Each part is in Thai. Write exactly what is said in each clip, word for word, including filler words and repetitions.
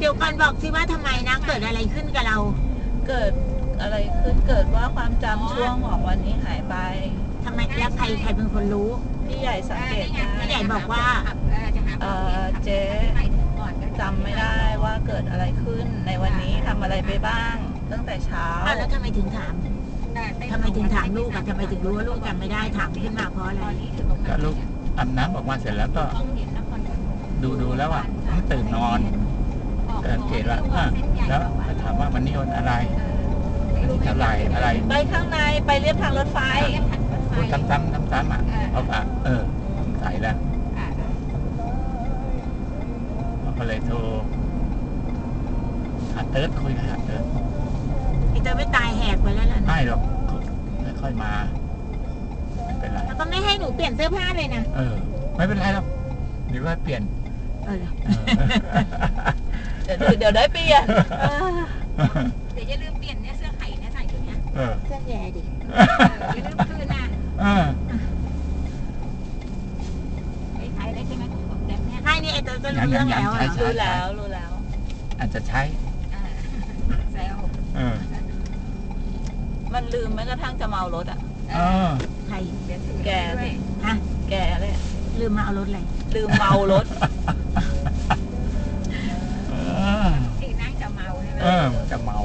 ดี๋ยวก่อนบอกสิว่าทำไมนะเกิดอะไรขึ้นกับเราเกิดอะไรขึ้นเกิดว่าความจำช่วงของวันนี้หายไปทำไมแล้วใครใครเป็นคนรู้พี่ใหญ่สังเกตได้พี่ใหญ่บอกว่าเออเจ๊จำไม่ได้ว่าเกิดอะไรขึ้นในวันนี้ทำอะไรไปบ้างตั้งแต่เช้าอ้าวแล้วทำไมถึงถามทำไมถึงถามลูกอะทำไมถึงรู้ว่าลูกจำไม่ได้ถามขึ้นมาเพราะอะไรก็ลูกอาบน้ำออกมาเสร็จแล้วก็ดูดูแล้วอ่ะมันตื่นนอนสังเกตว่าแล้วถามว่าวันนี้วันอะไรวันนี้เท่าไหร่อะไรไปข้างในไปเรียบทางรถไฟพูดซ้ำๆซ้ำๆอ่ะเขาก็เออสงสัยแล้วก็เลยโทรหาเติร์ดคุยกับหาเติร์ดไอ้เติร์ดไม่ตายแหกไปแล้วล่ะไม่หรอกไม่ค่อยมาไม่เป็นไรแล้วก็ไม่ให้หนูเปลี่ยนเสื้อผ้าเลยนะเออไม่เป็นไรหรอกเดี๋ยวก็เปลี่ยนเออเดี๋ยวเดี๋ยวได้เปลี่ยนเดี๋ยวอย่าลืมเปลี่ยนเนี่ยเสื้อไข่เนี่ยใส่ตัวเนี้ยเสื้อแย่ดิอย่าลืมคืนนะใช้ได้ใช่ไหมของแดมเนี่ยใช่นี่ไอ้เติร์ดก็รู้เรื่องแล้วรู้แล้วรู้แล้วอาจจะใช้แซวมันลืมแม้กระทั่งจะเมารถอ่ะใครแกสิฮะแกเลยลืมมาเอารถอะไรลืมเมารถที่นั่งจะเมาใช่ไหมเออจะเมา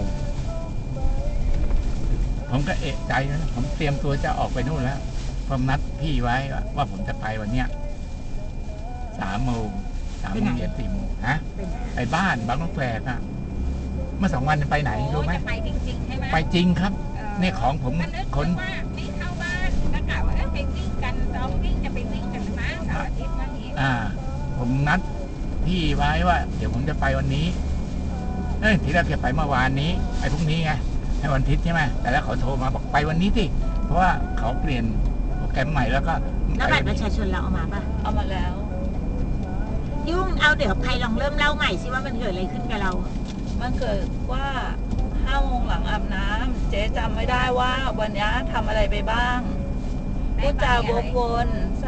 ผมก็เอะใจนะผมเตรียมตัวจะออกไปนู่นแล้วผมนัดพี่ไว้ว่าผมจะไปวันเนี้ยสามโมงสามโมงเย็นสี่โมงฮะไปบ้านบางนกแฝกอ่ะเมื่อสองวันไปไหนรู้ไหมไปจริงๆใช่ไหมไปจริงครับนี่ของผมคนว่าไม่เข้าบ้านก็กล่าวว่าไปวิ่งกันเราวิ่งจะไปวิ่งกันนะเสาร์อาทิตย์วันนี้อ่าผมนัดพี่ไว้ว่าเดี๋ยวผมจะไปวันนี้เอ้ยทีแรกจะไปเมื่อวานนี้ไอ้พรุ่งนี้ไงให้วันอาทิตย์ใช่ไหมแต่แล้วเขาโทรมาบอกไปวันนี้สิเพราะว่าเขาเปลี่ยนโปรแกรมใหม่แล้วก็แล้วบัตรประชาชนเราเอามาป่ะเอามาแล้วยุ่งเอาเดี๋ยวใครลองเริ่มเล่าใหม่สิว่ามันเกิดอะไรขึ้นกับเรามันเกิดว่าห้าโมงหลังอาบน้ำเจ๊จำไม่ได้ว่าวันนี้ทำอะไรไปบ้างพูดจาวกวน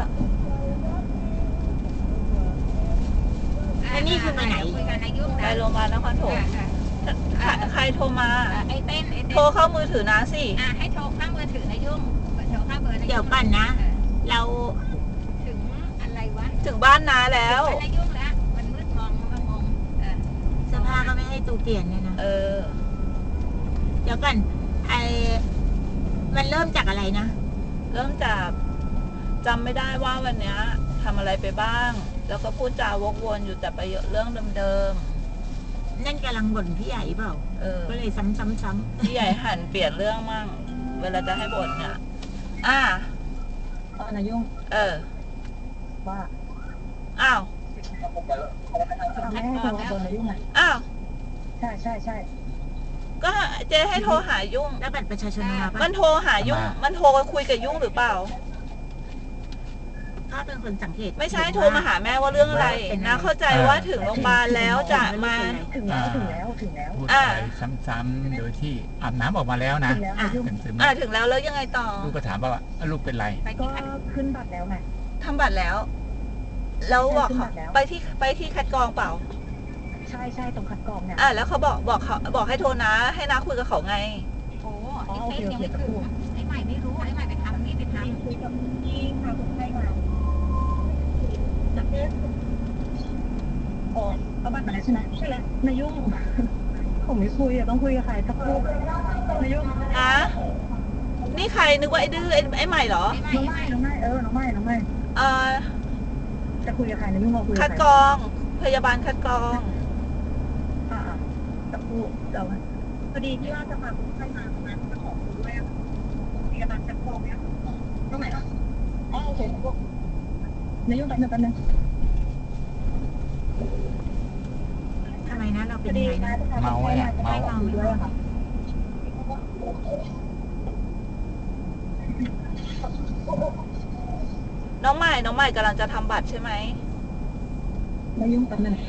อันนี้คือไปไหนไปโรงพยาบาลนครปฐมใครโทรมาไอ้เต้นโทรเข้ามือถือนะสิให้โทรเข้ามือถือนะยุ่งโทรเข้าเบอร์เดี๋ยวก่อนนะเราถึงอะไรวะถึงบ้านนาแล้วอะไรยุ่งแล้วมันมืดมองมองเสื้อผ้าก็ไม่ให้ตูเปลี่ยนเนี่ยนะเออเดี๋ยวก่อนไอมันเริ่มจากอะไรนะเริ่มจากจำไม่ได้ว่าวันนี้ทำอะไรไปบ้างแล้วก็พูดจาวกวนอยู่แต่ไปเรื่องเดิมๆนั่นกำลังบ่นพี่ใหญ่เปล่าเออก็เลยซ้ำๆๆพี่ใหญ่หันเปลี่ยนเรื่องมั่งเวลาจะให้บ่นเนี่ยอ่าอ๋อนายุ่งเออว่าอ้าวแม่โทรโดนนายุ่งไหมอ้าวใช่ใช่ใช่ก็เจ๊ให้โทรหายุ่งแล้วบัตรประชาชนมาปะมันโทรหายุ่งมันโทรคุยกับยุ่งหรือเปล่าถ้าเป็นคนสังเกตไม่ใช่โทรมาหาแม่ว่าเรื่องอะไรนะเข้าใจว่าถึงโรงพยาบาลแล้วจะมาถึงแล้วถึงแล้วถึงแล้วพูดอะไรซ้ำๆโดยที่อาบน้ำออกมาแล้วนะอ่าถึงแล้วแล้วยังไงต่อลูกก็ถามว่าลูกเป็นไรก็ขึ้นบัตรแล้วไงทำบัตรแล้วแล้วบอกเขาไปที่ไปที่คัดกรองเปล่าใช่ใช่ตรงคัดกรองเนี่ยอ่าแล้วเขาบอกบอกเขาบอกให้โทรนะให้น้าคุยกับเขาไงโอ้ไอ้เต้ยังไม่ถึงไอ้ใหม่ไม่รู้ไอ้ใหม่ไปทำนี่ไปทำคุยกับพี่พาคนไข้มาอ๋อเอาบัตรมาแล้วใช่ไหมใช่แล้วนายุ่งผมไม่คุยอะต้องคุยกับใครสักคนนายุ่งอ่ะนี่ใครนึกว่าไอ้ดื้อไอ้ไอ้ใหม่เหรอน้องไม่น้องไม่เออน้องไม่น้องไม่เออจะคุยกับใครนายุ่งเราคุยคัดกรองพยาบาลคัดกรองอ่าจะพูดเราพอดีที่ว่าจะพาคนไข้มาประมาณจะขอคุยด้วยพยาบาลคัดกรองเนี่ยตรงไหนอ่ะอ๋อโอเคพวกนายุ่งแป๊บนึงแป๊บนึงทำไมนะเราเป็นยังไงนะเมาเนี่ยเมาน้องใหม่น้องใหม่กำลังจะทำบัตรใช่ไหมไม่ยุ่งกันเลย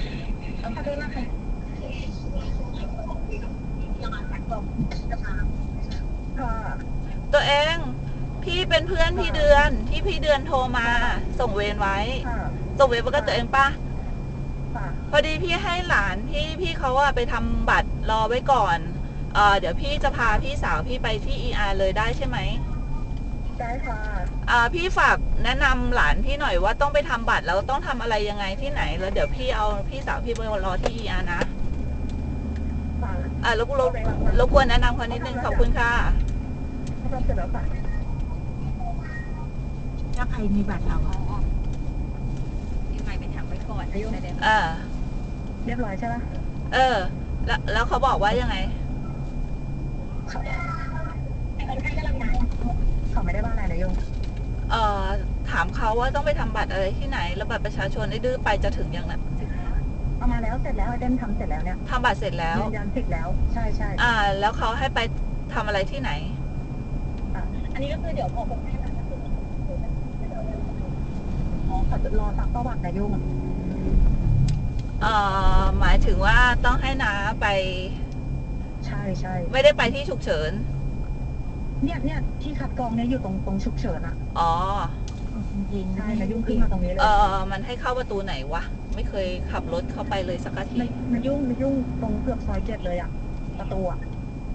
ตัวเองพี่เป็นเพื่อนพี่เดือนที่พี่เดือนโทรมาส่งเวรไว้ส่งเวรมากับตัวเองป่ะค่ะพอดีพี่ให้หลานพี่พี่เขาอะไปทำบัตรรอไว้ก่อนเอ่อเดี๋ยวพี่จะพาพี่สาวพี่ไปที่ อี อาร์ เลยได้ใช่ไหมได้ค่ะอ่าพี่ฝากแนะนำหลานพี่หน่อยว่าต้องไปทำบัตรแล้วต้องทำอะไรยังไงที่ไหนแล้วเดี๋ยวพี่เอาพี่สาวพี่ไปรอที่ อี อาร์ นะค่ะอ่ารบรบรบกวนแนะนำเขานิดนึงขอบคุณค่ะทำเสร็จแล้วค่ะถ้าใครมีบัตรเราอ๋ออะยังไงไปทำไว้ก่อนแสดงเออเรียบร้อยใช่ไหมเออ แล้วแล้วเขาบอกว่ายังไงคนไข้กำลังมาเขาไม่ได้บ้านอะไรนะโยมเอ่อถามเขาว่าต้องไปทำบัตรอะไรที่ไหน แล้วบัตรประชาชนไอ้ดื้อไปจะถึงยังน่ะเอามาแล้วเสร็จแล้วไอเดนทำเสร็จแล้วเนี่ยทำบัตรเสร็จแล้วยืนยันสิทธิ์แล้ว ใช่ใช่อ่า แล้วเขาให้ไปทำอะไรที่ไหนอ่ะอันนี้ก็คือเดี๋ยวพอคนไข้มาก็คืออ๋อเขาจะรอซักประวัตินะโยมเอ่อหมายถึงว่าต้องให้น้าไปใช่ใช่ไม่ได้ไปที่ฉุกเฉินเนี่ยเนี่ยที่คัดกรองเนี่ยอยู่ตรงตรงฉุกเฉินอ่ะอ๋อจริงๆใช่นายุ่งขึ้นมาตรงนี้เลยเออมันให้เข้าประตูไหนวะ ไม่เคยขับรถเข้าไปเลยสักทีในนายุ่งนายุ่งตรงเกือบซอยเจ็ดเลยอ่ะประตูอ่ะ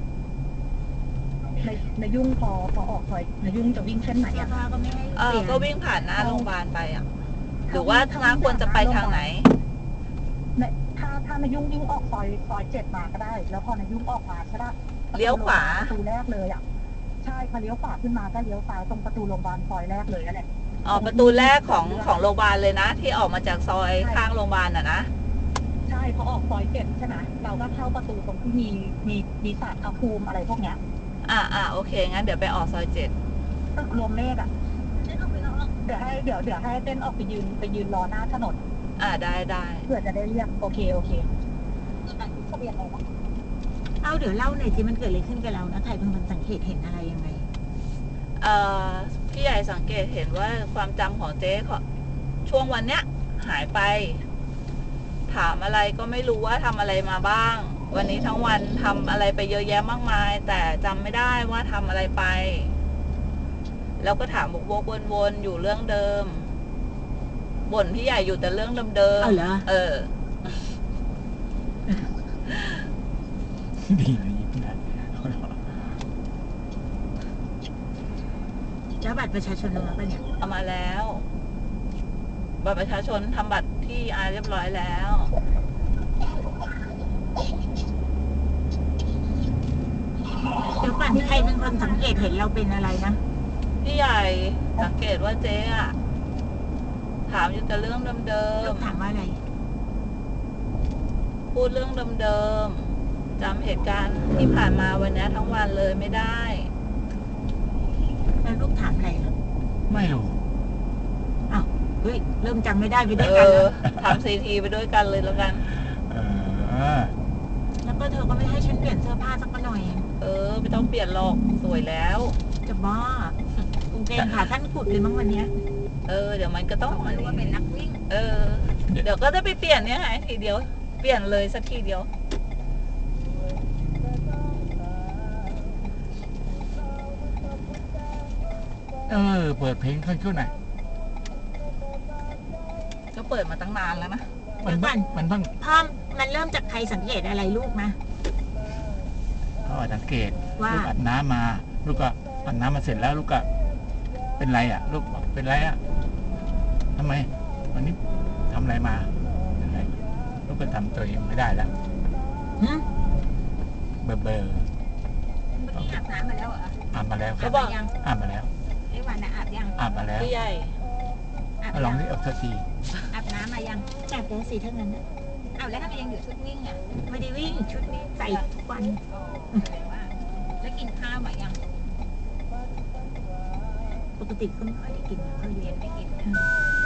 ในนายุ่งพอพอออกซอยนายุ่งจะวิ่งเส้นไหนเสื้ออ่ะผ้าก็ไม่ให้เอเปอลี่ยนก็วิ่งผ่านหน้าโรงพยาบาลไปอ่ะ หรือว่าน้าควรจะไปทางไหนในถ้าถ้านายุ่งยุ่งออกซอยซอยเจ็ดมาก็ได้ แล้วพอนายุ่งออกมาใช่ปะเลี้ยวขวาประตูแรกเลยอ่ะใช่พอเลี้ยวขวาขึ้นมาก็เลี้ยวซ้ายตรงประตูโรงพยาบาลซอยแรกเลยนั่นแหละอ๋อประตูแรกของของโรงพยาบาลเลยนะ ที่ออกมาจากซอยข้างโรงพยาบาลอ่ะนะใช่พอออกซอยเจ็ดใช่ไหมเราก็เข้าประตูตรงที่มีมีมีสารพระภูมิอะไรพวกเนี้ยอ่าอ่าโอเค งั้นเดี๋ยวไปออกซอยเจ็ดตึกรวมเลขอ่ะเดี๋ยวให้เดี๋ยวเดี๋ยวให้เต้นออกไปยืนไปยืนรอหน้าถนนอ่าได้ได้เพื่อจะได้เรียกโอเคโอเคทะเบียนอะไรนะเอาเดี๋ยวเล่าหน่อยสิมันเกิดอะไรขึ้นกับเรานะใครเป็นคนสังเกตเห็นอะไรยังไงเอ่อพี่ใหญ่สังเกตเห็นว่าความจำของเจ๊เขาช่วงวันเนี้ย หายไป ถามอะไรก็ไม่รู้ว่าทำอะไรมาบ้าง วันนี้ทั้งวันทำอะไรไปเยอะแยะมากมาย แต่จำไม่ได้ว่าทำอะไรไป แล้วก็ถามวกๆวนๆอยู่เรื่องเดิมบ่นพี่ใหญ่อยู่แต่เรื่องเดิมเอาเหรอเออดีนะยิ้มได้แล้วบัตรประชาชนเราปะเนี่ยเอามาแล้ว บัตรประชาชนทำบัตรที่อาเรียบร้อยแล้วเดี๋ยวก่อนใครเป็นคนสังเกตเห็นเราเป็นอะไรนะพี่ใหญ่สังเกตว่าเจ๊อะถามอยู่แต่เรื่องเดิลูมกถามว่าอะไรๆพูดเรื่องเดิมๆจำเหตุการณ์ที่ผ่านมาวันนี้ทั้งวันเลยไม่ได้แล้วลูกถามอะไรอ่ะไม่รู้อ้าวเฮ้ยเริ่มจำไม่ได้ไปด้เอวยกันอแล้วทำซีทีไปด้วยกันเลยแล้วกันเออแล้วก็เธอก็ไม่ให้ฉันเปลี่ยนเสื้อผ้าสักหน่อยเออ ไม่ต้องเปลี่ยนหรอกสวยแล้วจะบ้ากางเกงขาสั้นกุดเลยมั้งวันเนี้ยเออ เดี๋ยวมันก็ต้องเขารู้ว่าเป็นนักวิ่งเออ เดี๋ยวก็จะไปเปลี่ยนเนี่ยไงทีเดียว เปลี่ยนเลยสักทีเดียวเออ เปิดเพลงขึ้นขึ้นหน่อยก็เปิดมาตั้งนานแล้วนะมันบ้างมันบ้างพ่อมันเริ่มจากใครสังเกตอะไรลูกนะเขาอาจสังเกตว่าลูกอาบน้ำมา ลูกก็อาบน้ำมาเสร็จแล้ว ลูกก็เป็นไรอ่ะ ลูกบอกเป็นไรอ่ะทำไม วันนี้ทำอะไรมาเป็นไรลูกก็ทำตัวเองไม่ได้แล้วหึเบอร์เบอร์เมื่อกี้อาบน้ำมาแล้วเหรออาบมาแล้วครัเขาบบอกยังอาบมาแล้วไอ้วันน่ะอาบยังอาบมาแล้วพี่ใหญ่อาบเอาลยัองงนี่เอาสักทีอาบน้ำมายังจับแล้วสิเท่านั้นนะอ้าวแล้วทำไมยังอยู่ชุดวิ่งอ่ะไม่ได้วิ่งชุดนี้ใส่ทุกวันอ๋อแสดงว่าแล้วกินข้าวมายังปกติก็ไม่ค่อยได้กินไม่ค่อยเรีเรียยนนไม่กินอืม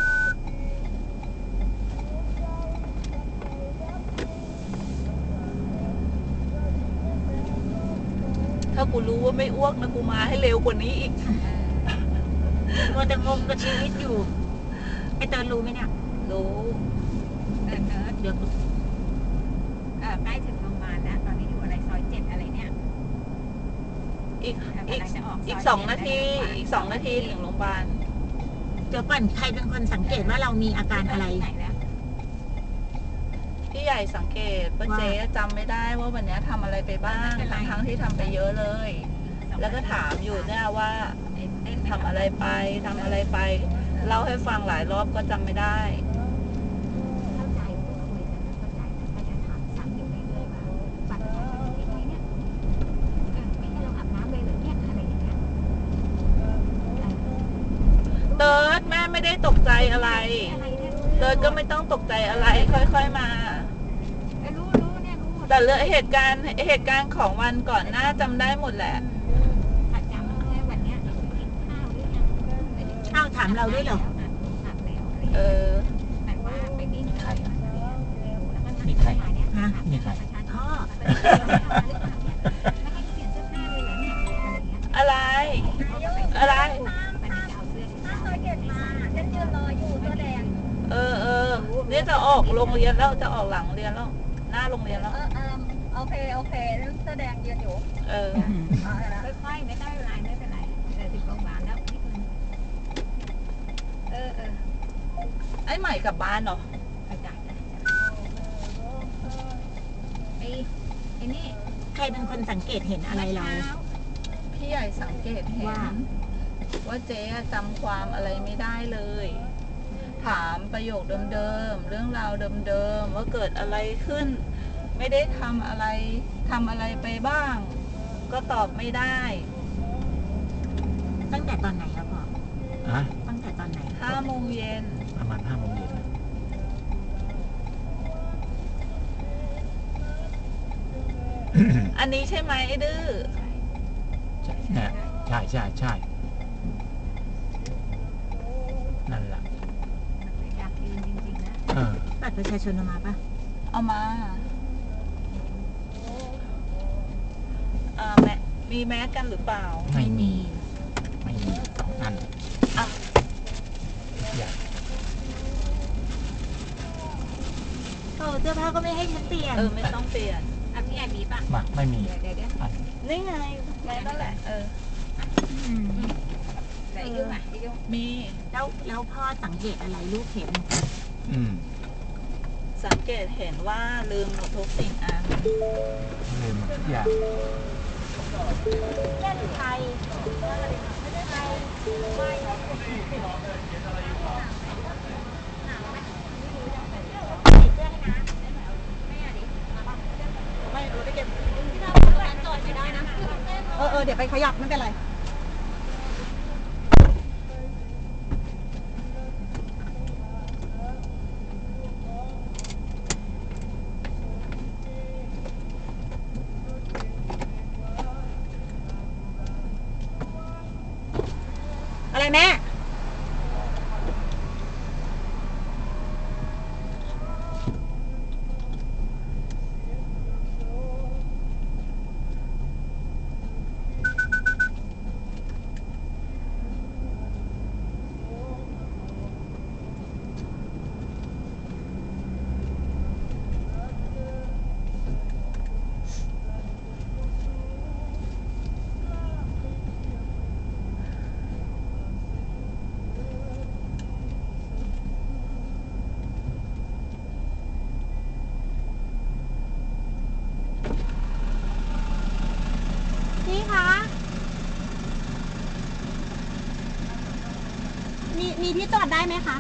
ถ้ากูรู้ว่าไม่อ้วกนะกูมาให้เร็วกว่านี้อีกมัวแต่งงกับชีวิตอยู่ ไอเติร์นรู้ไหมเนี่ยรู้เออเออเดี๋ยวเออใกล้ถึงโรงพยาบาลแล้วตอนนี้อยู่อะไรซอยเจ็ดอะไรเนี่ยอีกกำอีกลังจะออกซยอีกสองเจ็ดนาทีแล้วอีกสองนาทีถึงโรงพยาบาลเดี๋ยวก่อนใครเป็นคนสังเกตว่าเรามีอาการอะไรไหนแล้วพี่ใหญ่สังเกตว่าเจ๊จำไม่ได้ว่าวันนี้ทำอะไรไปบ้างทั้งทั้งๆที่ทำไปเยอะเลย แล้วก็ถามอยู่เนี่ยว่าทำอะไรไปทำอะไรไป เล่าให้ฟังหลายรอบก็จำไม่ได้เข้าใจพูดคุยกันนะเข้าใจแต่ก็จะถามซ้ำอยู่เรื่อยๆว่าบัตรประชาชนเป็นยังไงเนี่ยเออไม่ให้เราอาบน้ำเลยเหรอเนี่ยอะไรอย่างเงี้ยเออเติร์ดแม่ไม่ได้ตกใจอะไรอะไรเนี่ยเติร์ดก็ไม่ต้องตกใจอะไรค่อยๆมาเออรู้รู้เนี่ยรู้หมดแต่เรื่องเหตุการณ์เหตุการณ์ของวันก่อนหน้าจำได้หมดแหละถ้าจำแค่วันเนี้ยกินข้าวหรือยังไม่ได้กินอ้าวถามเราด้วยเหรออาบแล้วอะไรเออแต่ว่าไปวิ่งใครแล้วก็มีใครฮะนี่ใครพ่อไม่ให้เปลี่ยนเสื้อผ้าเลยเหรอเนี่ยอะไรเงี้ยอะไร อะไรมันจะเอาเสื้อที่ถ้าใส่เคยเก็บมาฉันยืนรออยู่เสื้อแดงเออเออเนี่ยจะออกโรงเรียนแล้วจะออกหลังเรียนแล้ว หน้าโรงเรียนแล้วเออเออโอเคโอเคเสื้อแดงยืนอยู่เออเอาละค่อยๆไม่ได้เวลาไม่เป็นไรเออถึงโรงพยาบาลแล้วนิดนึงเออเออไอ้ใหม่กลับบ้านเหรออาจารย์ไอ้ไอ้นี่ใครเป็นคนสังเกตเห็นอะไรเราพี่ใหญ่สังเกตเห็นว่าว่าเจ๊จำความอะไรไม่ได้เลย ถามประโยคเดิมๆเรื่องราวเดิมๆว่าเกิดอะไรขึ้น ไม่ได้ทำอะไรทำอะไรไปบ้าง ก็ตอบไม่ได้ตั้งแต่ตอนไหนครับพ่ออะตั้งแต่ตอนไหนห้าโมงเย็นประมาณห้าโมงเย็นนะอันนี้ใช่ไหมไอ้ดื้อใช่เนี่ยใช่ใช่ใช่นั่นแหละอยากยืนจริงๆนะเออบัตรประชาชนเอามาปะเอามาอ่าแมมีแมสกันหรือเปล่าไม่มี ไม่มีสองอันอ่ะอย่าโอ้เสื้อผ้าก็ไม่ให้ฉันเปลี่ยนเออไม่ต้องเปลี่ยนอ่ะพี่แอนมีป่ะมาไม่มีเดี๋ยวเดี๋ยวเดี๋ยวอันนี่ไงแมสนั่นแหละ เอออืมไหนยุ่งอ่ะไอ้ยุ่งมีแล้วแล้วพ่อสังเกตอะไรลูกเห็นอืมสังเกตเห็นว่าลืมหมดทุกสิ่งอันลืมทุกอย่างเล่นไทยเออเออเดี๋ยวไปขยับไม่เป็นไร อะไรแม่พี่คะ มี มีที่จอดได้ไหมคะ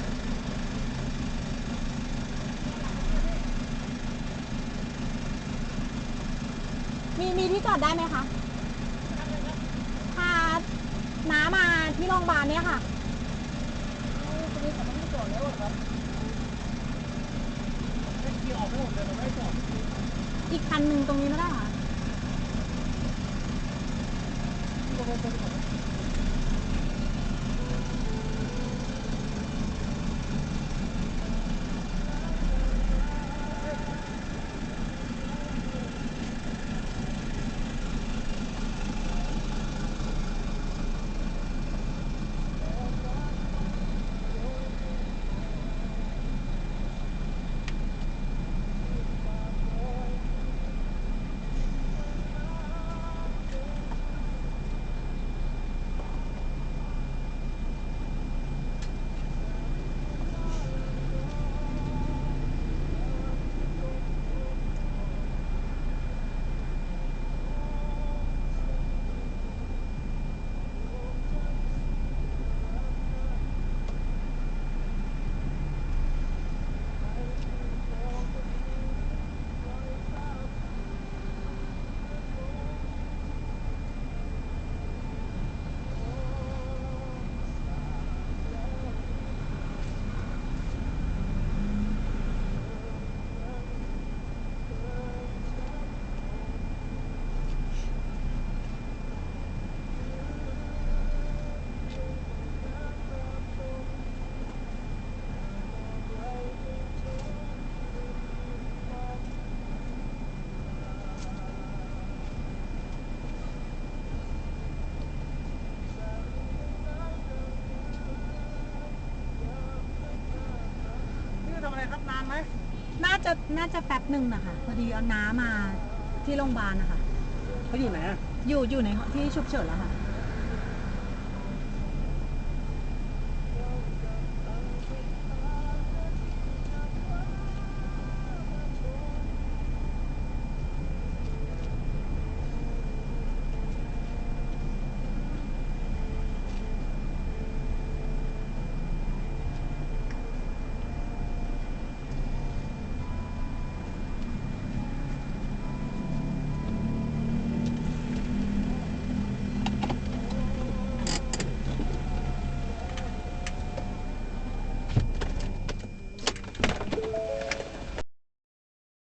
มี มีที่จอดได้ไหมคะพาน้ามาที่โรงพยาบาลเนี่ยค่ะ อีกคันหนึ่งตรงนี้ไม่ได้เหรอครับนานไหมน่าจะน่าจะแป๊บหนึ่งนะคะพอดีเอาน้ามาที่โรงพยาบาลนะคะเขาอยู่ไหนอ่ะอยู่อยู่ในที่ฉุกเฉินแล้วค่ะอ